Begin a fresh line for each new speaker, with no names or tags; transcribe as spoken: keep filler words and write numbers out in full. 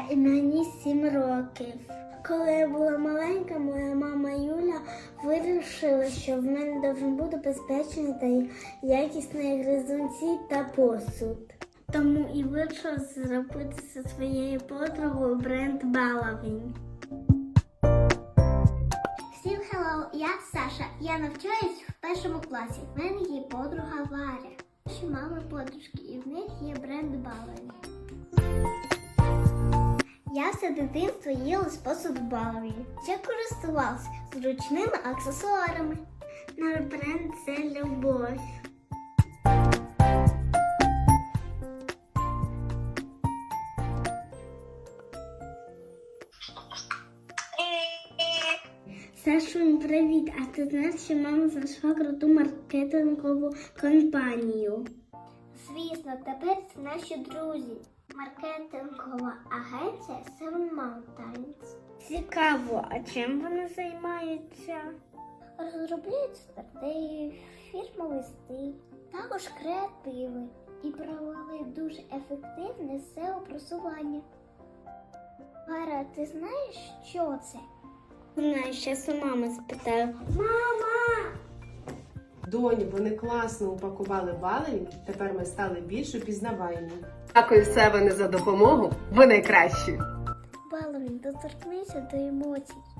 і мені сім років. Коли я була маленька, моя мама Юля вирішила, що в мене повинен бути безпечний та якісний гризунці та посуд. Тому і вирішила зробити зі своєю подругою бренд Балавінь. Всім hello, я Саша. Я навчаюсь в першому класі. В мене є подруга Варя. Наші мами подружки, і в них є бренд Балавінь. Я все дитинство їла з посуду Балавінь. Я користувалася зручними аксесуарами. Наш бренд – це любов. Сашунь, привіт! А ти знаєш, що мама знайшла круту маркетингову компанію? Звісно, тепер це наші друзі. Маркетингова агенція Seven Mountains. Цікаво, а чим вони займаються? Розробляють стратегії, фірмовий стиль, також креативи і провели дуже ефективне сео-просування. Вара, ти знаєш, що це? Знаю, зараз у мами спитаю. Мама!
Доню, вони класно упакували Балавінь, тепер ми стали більш упізнаваємі.
Дякую, Севене, за допомогу. Ви найкращі.
Балавінь, доторкнися до емоцій.